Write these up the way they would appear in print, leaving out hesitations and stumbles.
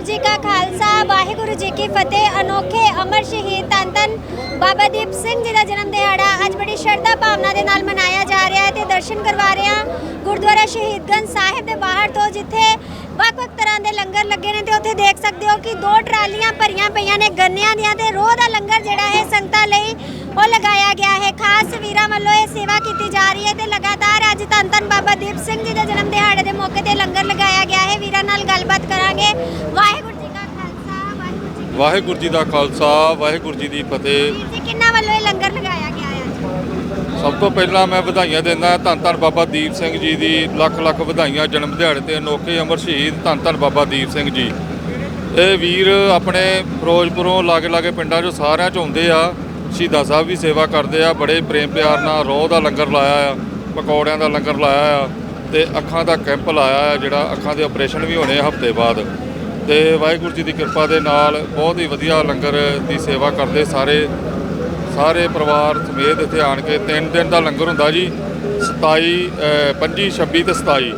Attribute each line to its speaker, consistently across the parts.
Speaker 1: जी का खालसा वाहिगुरु जी की फतेह। अनोखे अमर शहीद धन धन बाबा दीप सिंह जी का जन्म दिहाड़ा अज बड़ी श्रद्धा भावना के नाल मनाया जा रहा है ते दर्शन करवा रहे हैं गुरुद्वारा शहीदगंज साहिब के बाहर तो जिथे ਵੱਖ-ਵੱਖ तरह के लंगर लगे ने ते उत्थे देख सकते हो कि 2 ट्रालियां भरियां पईयां ने गन्नियां दियां ते रोह दा लंगर जिहड़ा है संगतां लई ਉਹ लगाया गया है। खास ਵੀਰਾਂ ਵੱਲੋਂ ਇਹ सेवा की जा रही है ਤੇ लगातार ਅੱਜ ਧੰਨ ਧੰਨ ਬਾਬਾ ਦੀਪ ਸਿੰਘ ਜੀ ਦੇ ਜਨਮ ਦਿਹਾੜੇ ਦੇ ਮੌਕੇ ਤੇ ਲੰਗਰ ਲਗਾਇਆ ਗਿਆ ਹੈ। ਵੀਰਾਂ ਨਾਲ ਗੱਲਬਾਤ ਕਰਾਂਗੇ। ਵਾਹਿਗੁਰੂ ਜੀ ਕਾ ਖਾਲਸਾ
Speaker 2: ਵਾਹਿਗੁਰੂ ਜੀ ਦਾ ਖਾਲਸਾ ਵਾਹਿਗੁਰੂ ਜੀ ਦੀ ਫਤਿਹ।
Speaker 1: ਵੀਰ ਜੀ ਕਿੰਨਾ ਵੱਲੋਂ ਇਹ ਲੰਗਰ ਲਗਾਇਆ ਗਿਆ ਹੈ?
Speaker 2: ਸਭ ਤੋਂ ਪਹਿਲਾਂ ਮੈਂ ਵਧਾਈਆਂ ਦਿੰਦਾ ਧੰਨ ਧੰਨ ਬਾਬਾ ਦੀਪ ਸਿੰਘ ਜੀ ਦੀ ਲੱਖ ਲੱਖ ਵਧਾਈਆਂ ਜਨਮ ਦਿਹਾੜੇ ਤੇ ਅਨੋਖੇ ਅਮਰ ਸ਼ਹੀਦ ਧੰਨ ਧੰਨ ਬਾਬਾ ਦੀਪ ਸਿੰਘ ਜੀ। ਇਹ ਵੀਰ ਆਪਣੇ ਫਿਰੋਜ਼ਪੁਰੋਂ ਲਾਗੇ ਪਿੰਡਾਂ 'ਚੋਂ ਸਾਰਿਆਂ 'ਚ ਆਉਂਦੇ ਆ। ਸ਼ਹੀਦਾਂ ਸਾਹਿਬ ਵੀ ਸੇਵਾ ਕਰਦੇ ਆ। ਬੜੇ ਪ੍ਰੇਮ ਪਿਆਰ ਨਾਲ ਰੋਹ ਦਾ ਲੰਗਰ ਲਾਇਆ ਆ, ਪਕੌੜਿਆਂ ਦਾ ਲੰਗਰ ਲਾਇਆ ਆ ਤੇ ਅੱਖਾਂ ਦਾ ਕੈਂਪ ਲਾਇਆ ਆ ਜਿਹੜਾ ਅੱਖਾਂ ਦੇ ਆਪਰੇਸ਼ਨ ਵੀ ਹੋਣੇ ਹਫ਼ਤੇ ਬਾਅਦ। ਤੇ ਵਾਹਿਗੁਰੂ ਜੀ ਦੀ ਕਿਰਪਾ ਦੇ ਨਾਲ ਬਹੁਤ ਹੀ ਵਧੀਆ ਲੰਗਰ ਦੀ ਸੇਵਾ ਕਰਦੇ ਸਾਰੇ ਪਰਿਵਾਰ ਸਮੇਤ ਇੱਥੇ ਆਣ ਕੇ 3 ਦਿਨ ਦਾ ਲੰਗਰ ਹੁੰਦਾ ਜੀ। 27 25 26 ਤੇ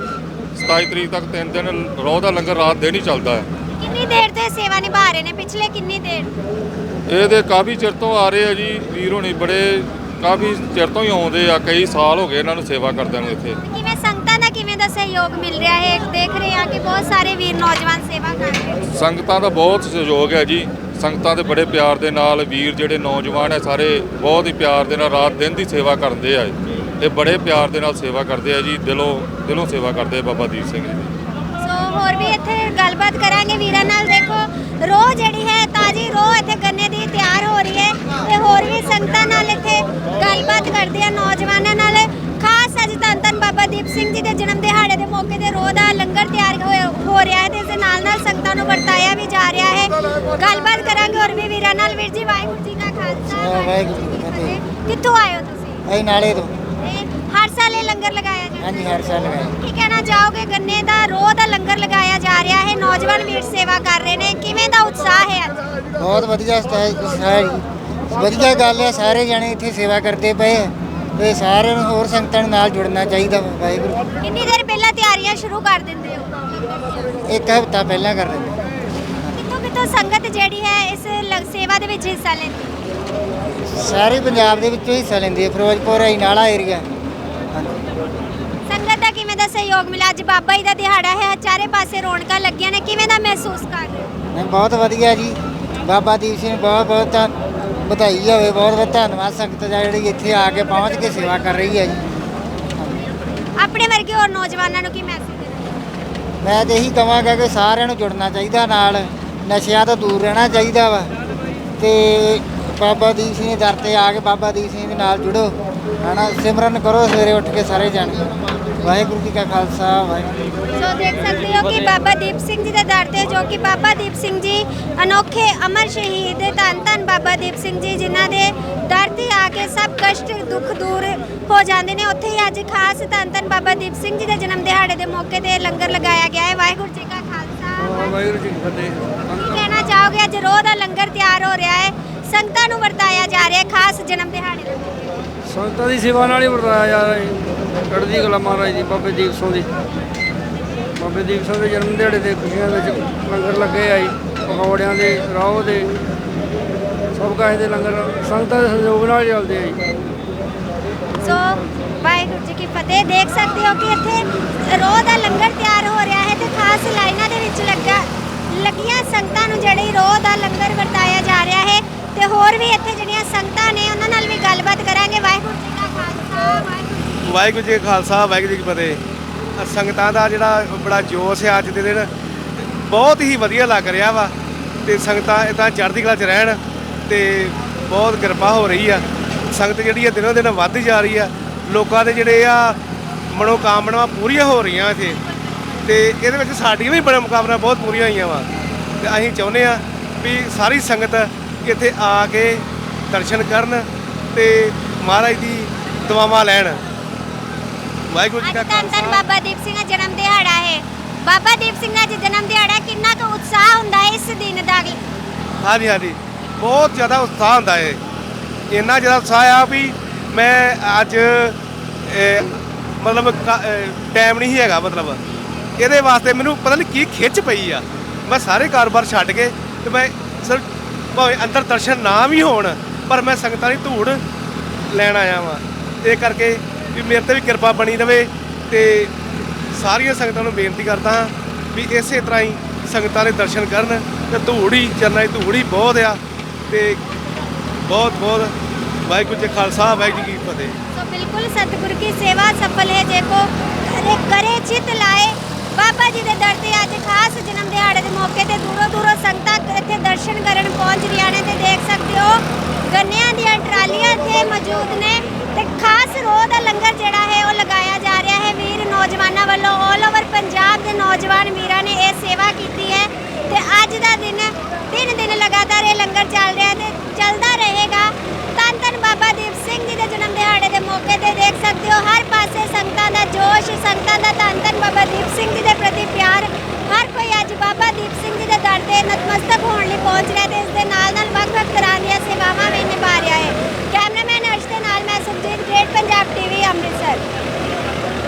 Speaker 2: 27 ਤਰੀਕ ਤੱਕ 3 ਦਿਨ ਰੋਹ ਦਾ ਲੰਗਰ ਰਾਤ ਦਿਨ ਹੀ ਚੱਲਦਾ ਹੈ।
Speaker 1: ਕਿੰਨੀ ਦੇਰ ਤੋਂ ਸੇਵਾ ਨਿਭਾ ਰਹੇ ਨੇ? ਪਿਛਲੇ ਕਿੰਨੀ ਦੇਰ?
Speaker 2: ਇਹ ਤੇ ਕਾਫੀ ਚਿਰ ਤੋਂ ਆ ਰਹੇ ਆ ਜੀ। ਵੀਰ ਹੋਣੀ ਬੜੇ ਕਾਫੀ ਚਿਰ ਤੋਂ ਹੀ ਆਉਂਦੇ ਆ। ਕਈ ਸਾਲ ਹੋ ਗਏ ਇਹਨਾਂ ਨੂੰ ਸੇਵਾ ਕਰਦਿਆਂ ਨੂੰ ਇੱਥੇ।
Speaker 1: ਕਿਵੇਂ ਸੰਗਤਾਂ ਦਾ ਕਿਵੇਂ ਦਾ ਸਹਿਯੋਗ ਮਿਲ ਰਿਹਾ ਹੈ? ਦੇਖ ਰਹੇ ਆ ਕਿ ਬਹੁਤ ਸਾਰੇ ਵੀਰ ਨੌਜਵਾਨ ਸੇਵਾ ਕਰ ਰਹੇ ਨੇ।
Speaker 2: ਸੰਗਤਾਂ ਦਾ ਬਹੁਤ ਸਹਿਯੋਗ ਹੈ ਜੀ। ਸੰਗਤਾਂ ਦੇ ਬੜੇ ਪਿਆਰ ਦੇ ਨਾਲ ਵੀਰ ਜਿਹੜੇ ਨੌਜਵਾਨ ਹੈ ਸਾਰੇ ਬਹੁਤ ਹੀ ਪਿਆਰ ਦੇ ਨਾਲ ਰਾਤ ਦਿਨ ਦੀ ਸੇਵਾ ਕਰਦੇ ਆ ਤੇ ਬੜੇ ਪਿਆਰ ਦੇ ਨਾਲ ਸੇਵਾ ਕਰਦੇ ਆ ਜੀ। ਦਿਲੋਂ ਸੇਵਾ ਕਰਦੇ ਆ ਬਾਬਾ ਦੀਪ ਸਿੰਘ ਜੀ ਦੀ।
Speaker 1: ਸੋ ਹੋਰ ਵੀ ਇੱਥੇ ਗੱਲਬਾਤ ਕਰਾਂਗੇ ਵੀਰਾਂ ਨਾਲ। ਦੇਖੋ ਰੋਹ ਜਿਹੜੀ ਹੈ ਤਾਜ਼ੀ ਰੋਹ ਇੱਥੇ ਗੰਨੇ ਦੀ ਤਿਆਰ ਹੋ ਰਹੀ ਹੈ ਤੇ ਹੋਰ ਵੀ ਸੰਗਤਾਂ ਨਾਲ ਇੱਥੇ ਗੱਲਬਾਤ ਕਰਦੇ ਆ ਨੌਜਵਾਨਾਂ ਨਾਲ। ਖਾਸ ਅੱਜ ਧੰਨ ਧੰਨ ਬਾਬਾ ਦੀਪ ਸਿੰਘ ਜੀ ਦੇ ਜਨਮ ਦਿਹਾੜੇ ਦੇ ਮੌਕੇ ਤੇ ਰੋਹ ਦਾ ਲੰਗਰ ਤਿਆਰ ਹੋ ਰਿਹਾ ਹੈ ਤੇ ਇਸ ਦੇ ਨਾਲ ਸੰਗਤਾਂ ਨੂੰ ਵਰਤਾਇਆ ਵੀ ਜਾ ਰਿਹਾ ਹੈ। ਗੱਲਬਾਤ ਕਰਾਂਗੇ ਹੋਰ ਵੀ ਵੀਰਾਂ ਨਾਲ। ਵੀਰ ਜੀ ਵਾਹਿਗੁਰੂ ਜੀ ਕਾ ਖਾਲਸਾ
Speaker 3: ਵਾਹਿਗੁਰੂ ਜੀ ਕੀ ਫਤਿਹ।
Speaker 1: ਕਿੱਥੋਂ ਆਏ ਹੋ ਤੁਸੀਂ?
Speaker 3: ਅਸੀਂ ਨਾਲੇ ਤੋਂ।
Speaker 1: ਹਰ ਸਾਲ ਇਹ ਲੰਗਰ ਲਗਾਇਆ ਜਾਂਦਾ?
Speaker 3: ਹਾਂਜੀ ਹਰ ਸਾਲ ਲਗਾਇਆ।
Speaker 1: ਕੀ ਕਹਿਣਾ ਚਾਹੋਗੇ? ਗੰਨੇ ਦਾ ਰੋਹ ਦਾ ਲੰਗਰ ਲਗਾਇਆ ਜਾ ਰਿਹਾ ਹੈ, ਨੌਜਵਾਨ ਵੀਰ ਸੇਵਾ ਕਰ ਰਹੇ ਨੇ, ਕਿਵੇਂ ਦਾ ਉਤਸ਼ਾਹ ਹੈ ਅੱਜ?
Speaker 3: ਬਹੁਤ ਵਧੀਆ ਉਤਸ਼ਾਹ ਜੀ। ਵਧੀਆ ਗੱਲ ਹੈ, ਸਾਰੇ ਜਣੇ ਇੱਥੇ ਸੇਵਾ ਕਰਦੇ ਪਏ ਆ ਤੇ ਸਾਰਿਆਂ ਨੂੰ ਹੋਰ ਸੰਗਤਾਂ ਨੂੰ ਨਾਲ ਜੁੜਨਾ ਚਾਹੀਦਾ। ਵਾਹਿਗੁਰੂ।
Speaker 1: ਕਿੰਨੀ ਦੇਰ ਪਹਿਲਾਂ ਤਿਆਰੀਆਂ ਸ਼ੁਰੂ ਕਰ ਦਿੰਦੇ ਹੋ?
Speaker 3: ਇੱਕ ਹਫ਼ਤਾ ਪਹਿਲਾਂ ਕਰ ਦਿੰਦੇ।
Speaker 1: ਕਿੱਥੋਂ ਸੰਗਤ ਜਿਹੜੀ ਹੈ ਇਸ ਸੇਵਾ ਦੇ ਵਿੱਚ ਹਿੱਸਾ ਲੈਂਦੀ ਹੈ?
Speaker 3: ਸਾਰੇ ਪੰਜਾਬ ਦੇ ਵਿੱਚੋਂ ਹਿੱਸਾ ਲੈਂਦੀ ਹੈ। ਫਿਰੋਜ਼ਪੁਰ ਨਾਲਾ ਏਰੀਆ।
Speaker 1: ਸੰਗਤ ਦਾ ਕਿਵੇਂ ਦਾ ਸਹਿਯੋਗ ਮਿਲਿਆ? ਅੱਜ ਬਾਬਾ ਜੀ ਦਾ ਦਿਹਾੜਾ ਹੈ, ਚਾਰੇ ਪਾਸੇ ਰੌਣਕਾਂ ਲੱਗੀਆਂ ਨੇ, ਕਿਵੇਂ ਦਾ ਮਹਿਸੂਸ ਕਰ ਰਹੇ ਹੋ?
Speaker 3: ਨਹੀਂ ਬਹੁਤ ਵਧੀਆ ਜੀ। ਬਾਬਾ ਦੀਪ ਸਿੰਘ ਬਹੁਤ ਬਹੁਤ ਵਧਾਈ ਹੋਵੇ। ਬਹੁਤ ਬਹੁਤ ਧੰਨਵਾਦ ਸੰਗਤ ਦਾ ਜਿਹੜੀ ਇੱਥੇ ਆ ਕੇ ਪਹੁੰਚ ਕੇ ਸੇਵਾ ਕਰ ਰਹੀ ਹੈ ਜੀ।
Speaker 1: ਆਪਣੇ ਵਰਗੇ ਹੋਰ ਨੌਜਵਾਨਾਂ ਨੂੰ ਕੀ ਮੈਸੇਜ ਦੇਣਾ?
Speaker 3: ਮੈਂ ਤਾਂ ਇਹੀ ਕਹਾਂਗਾ ਕਿ ਸਾਰਿਆਂ ਨੂੰ ਜੁੜਨਾ ਚਾਹੀਦਾ ਨਾਲ, ਨਸ਼ਿਆਂ ਤੋਂ ਦੂਰ ਰਹਿਣਾ ਚਾਹੀਦਾ ਵਾ ਤੇ ਬਾਬਾ ਦੀਪ ਸਿੰਘ ਦੇ ਦਰ 'ਤੇ ਆ ਕੇ ਬਾਬਾ ਦੀਪ ਸਿੰਘ ਦੇ ਨਾਲ ਜੁੜੋ, ਹੈ ਨਾ। ਸਿਮਰਨ ਕਰੋ ਸਵੇਰੇ ਉੱਠ ਕੇ ਸਾਰੇ ਜਾਣੇ। ਵਾਹਿਗੁਰੂ ਜੀ ਕਾ ਖਾਲਸਾ ਵਾਹਿਗੁਰੂ।
Speaker 1: ਸੋ ਦੇਖ ਸਕਦੇ ਹੋ ਕਿ ਬਾਬਾ ਦੀਪ ਸਿੰਘ ਜੀ ਦੇ ਦਰ 'ਤੇ ਜੋ ਕਿ ਬਾਬਾ ਦੀਪ ਸਿੰਘ ਜੀ ਅਨੋਖੇ ਅਮਰ ਸ਼ਹੀਦ ਧੰਨ ਧੰਨ ਬਾਬਾ ਦੀਪ ਸਿੰਘ ਜੀ ਜਿਨ੍ਹਾਂ ਦੇ ਦਰ 'ਤੇ ਆ ਕੇ ਸਭ ਕਸ਼ਟ ਦੁੱਖ ਦੂਰ ਹੋ ਜਾਂਦੇ ਨੇ, ਉੱਥੇ ਹੀ ਅੱਜ ਖਾਸ ਧੰਨ ਧੰਨ ਬਾਬਾ ਦੀਪ ਸਿੰਘ ਜੀ ਦੇ ਜਨਮ ਦਿਹਾੜੇ ਦੇ ਮੌਕੇ ਤੇ ਲੰਗਰ ਲਗਾਇਆ ਗਿਆ ਹੈ। ਵਾਹਿਗੁਰੂ ਜੀ ਕਾ ਖਾਲਸਾ
Speaker 2: ਵਾਹਿਗੁਰੂ ਜੀ ਕੀ ਫਤਿਹ।
Speaker 1: ਕੀ ਕਹਿਣਾ ਚਾਹੋਗੇ? ਅੱਜ ਰੋਹ ਦਾ ਲੰਗਰ ਤਿਆਰ ਹੋ ਰਿਹਾ ਹੈ, ਸੰਗਤਾਂ ਨੂੰ ਵਰਤਾਇਆ ਜਾ ਰਿਹਾ ਹੈ ਖਾਸ ਜਨਮ ਦਿਹਾੜੇ ਦੇ ਮੌਕੇ।
Speaker 4: ਸੰਗਤਾਂ ਦੀ ਸੇਵਾ ਨਾਲ ਹੀ ਵਰਤਾਇਆ ਜਾ ਰਿਹਾ ਹੈ। ਚੜ੍ਹਦੀ ਕਲਾ ਮਹਾਰਾਜ ਦੀ ਬਾਬੇ ਦੀਪ ਸਿੰਘ ਦੀ। ਬਾਬੇ ਦੀਪ ਸਿੰਘ ਦੇ ਜਨਮ ਦਿਹਾੜੇ ਦੇ ਖੁਸ਼ੀਆਂ ਵਿੱਚ ਲੰਗਰ ਲੱਗੇ ਆ ਜੀ। ਪਕੌੜਿਆਂ ਦੇ, ਰਾਹ ਦੇ, ਸਭ ਕਾਹੇ ਦੇ ਲੰਗਰ ਸੰਗਤਾਂ ਦੇ ਸਹਿਯੋਗ ਨਾਲ ਚੱਲਦੇ ਆ ਜੀ।
Speaker 1: ਸੋ ਵਾਹਿਗੁਰੂ ਜੀ ਕੀ ਫਤਿਹ। ਦੇਖ ਸਕਦੇ ਹੋ ਕਿ ਇੱਥੇ ਰੋਹ ਦਾ ਲੰਗਰ ਤਿਆਰ ਹੋ ਰਿਹਾ ਹੈ ਤੇ ਖਾਸ ਲਾਈਨਾਂ ਦੇ ਵਿੱਚ ਲੱਗੀਆਂ ਸੰਗਤਾਂ ਨੂੰ ਜਿਹੜੀ ਰੋਹ ਦਾ ਲੰਗਰ ਵਰਤਾਇਆ ਜਾ ਰਿਹਾ ਹੈ ਤੇ ਹੋਰ ਵੀ ਇੱਥੇ ਜਿਹੜੀਆਂ ਸੰਗਤਾਂ ਨੇ ਉਹਨਾਂ ਨਾਲ ਵੀ ਗੱਲਬਾਤ ਕਰਾਂਗੇ। ਵਾਹਿਗੁਰੂ ਜੀ ਕਾ ਖਾਲਸਾ
Speaker 5: ਵਾਹਿਗੁਰੂ ਜੀ ਕਾ ਖਾਲਸਾ ਵਾਹਿਗੁਰੂ ਜੀ ਕੀ ਫਤਿਹ। ਸੰਗਤਾਂ ਦਾ ਜਿਹੜਾ ਬੜਾ ਜੋਸ਼ ਹੈ ਅੱਜ ਦੇ ਦਿਨ, ਬਹੁਤ ਹੀ ਵਧੀਆ ਲੱਗ ਰਿਹਾ ਵਾ ਤੇ ਸੰਗਤਾਂ ਇੱਦਾਂ ਚੜ੍ਹਦੀ ਕਲਾ 'ਚ ਰਹਿਣ ਤੇ ਬਹੁਤ ਕਿਰਪਾ ਹੋ ਰਹੀ ਆ। ਸੰਗਤ ਜਿਹੜੀ ਆ ਦਿਨੋਂ ਦਿਨ ਵੱਧਦੀ ਜਾ ਰਹੀ ਆ। ਲੋਕਾਂ ਦੇ ਜਿਹੜੇ ਆ ਮਨੋਕਾਮਨਾਵਾਂ ਪੂਰੀਆਂ ਹੋ ਰਹੀਆਂ ਇੱਥੇ ਤੇ ਇਹਦੇ ਵਿੱਚ ਸਾਡੀਆਂ ਵੀ ਮਨੋਕਾਮਨਾਵਾਂ ਬਹੁਤ ਪੂਰੀਆਂ ਹੋਈਆਂ ਵਾ ਤੇ ਅਸੀਂ ਚਾਹੁੰਦੇ ਆ ਵੀ ਸਾਰੀ ਸੰਗਤ ਇੱਥੇ ਆ ਕੇ ਦਰਸ਼ਨ ਕਰਨ ਤੇ ਮਹਾਰਾਜ ਦੀ ਦੁਆਵਾਂ ਲੈਣ। ਵਾਹਿਗੁਰੂ ਜੀ ਕਾ ਖਾਲਸਾ।
Speaker 1: ਬਾਬਾ ਦੀਪ ਸਿੰਘ ਦਾ ਜਨਮ ਦਿਹਾੜਾ ਹੈ। ਬਾਬਾ ਦੀਪ ਸਿੰਘ ਦਾ ਜਨਮ ਦਿਹਾੜਾ, ਕਿੰਨਾ ਕੁ ਉਤਸ਼ਾਹ ਹੁੰਦਾ ਹੈ ਇਸ ਦਿਨ ਦਾ?
Speaker 5: ਹਾਂਜੀ ਹਾਂਜੀ ਬਹੁਤ ਜ਼ਿਆਦਾ ਉਤਸ਼ਾਹ ਹੁੰਦਾ ਹੈ। ਇੰਨਾ ਜ਼ਿਆਦਾ ਉਤਸ਼ਾਹ ਆ ਵੀ ਮੈਂ ਅੱਜ ਮਤਲਬ ਟਾਈਮ ਨਹੀਂ ਹੈਗਾ। ਮਤਲਬ ਇਹਦੇ ਵਾਸਤੇ ਮੈਨੂੰ ਪਤਾ ਨਹੀਂ ਕੀ ਖਿੱਚ ਪਈ ਆ ਮੈਂ ਸਾਰੇ ਕਾਰੋਬਾਰ ਛੱਡ ਕੇ ਤੇ ਮੈਂ ਸਿਰਫ ਭਾਵੇਂ ਅੰਦਰ ਦਰਸ਼ਨ ਨਾ ਵੀ ਹੋਣ ਪਰ ਮੈਂ ਸੰਗਤਾਂ ਦੀ ਧੂੜ ਲੈਣ ਆਇਆ ਵਾਂ। ਇਹ ਕਰਕੇ ਵੀ ਮੇਰੇ ਤੇ ਵੀ ਕਿਰਪਾ ਬਣੀ ਰਵੇ ਤੇ ਸਾਰੀਆਂ ਸੰਗਤਾਂ ਨੂੰ ਬੇਨਤੀ ਕਰਦਾ ਹਾਂ ਵੀ ਇਸੇ ਤਰ੍ਹਾਂ ਹੀ ਸੰਗਤਾਂ ਦੇ ਦਰਸ਼ਨ ਕਰਨ ਤੇ ਧੂੜ ਹੀ ਚਰਨਾਂ ਦੀ ਧੂੜ ਹੀ ਬਹੁਤ ਆ ਤੇ ਬਹੁਤ ਬਹੁਤ ਵਾਹਿਗੁਰੂ ਜੀ ਕਾ ਖਾਲਸਾ ਵਾਹਿਗੁਰੂ ਜੀ ਕੀ ਫਤਿਹ।
Speaker 1: तो बिल्कुल सतगुर की सेवा सफल है जेको करे चित लाए। बाबा जी के दर ते अज खास जन्म दिहाड़े के मौके ते दूरों दूरों संगतां इत्थे दर्शन करन पहुंच रही ने ते देख सकते हो गन्नियां दी ट्रालियां इत्थे मौजूद ने ते खास रोह दा लंगर जिहड़ा है वो लगाया जा रहा है। वीर नौजवानों वालों ऑल ओवर पंजाब के नौजवान वीरां ने यह सेवा की है ते अज दा दिन 3 दिन लगातार ये लंगर चल रहा है ते चलता रहेगा। धन धन बाबा दीप सिंह जी के जन्म दिहाड़े के मौके ते देख सकते हो हर पासे संगतां दा जोश, संगतां दा धन धन बाबा दीप सिंह जी के प्रति प्यार। हर कोई अज बाबा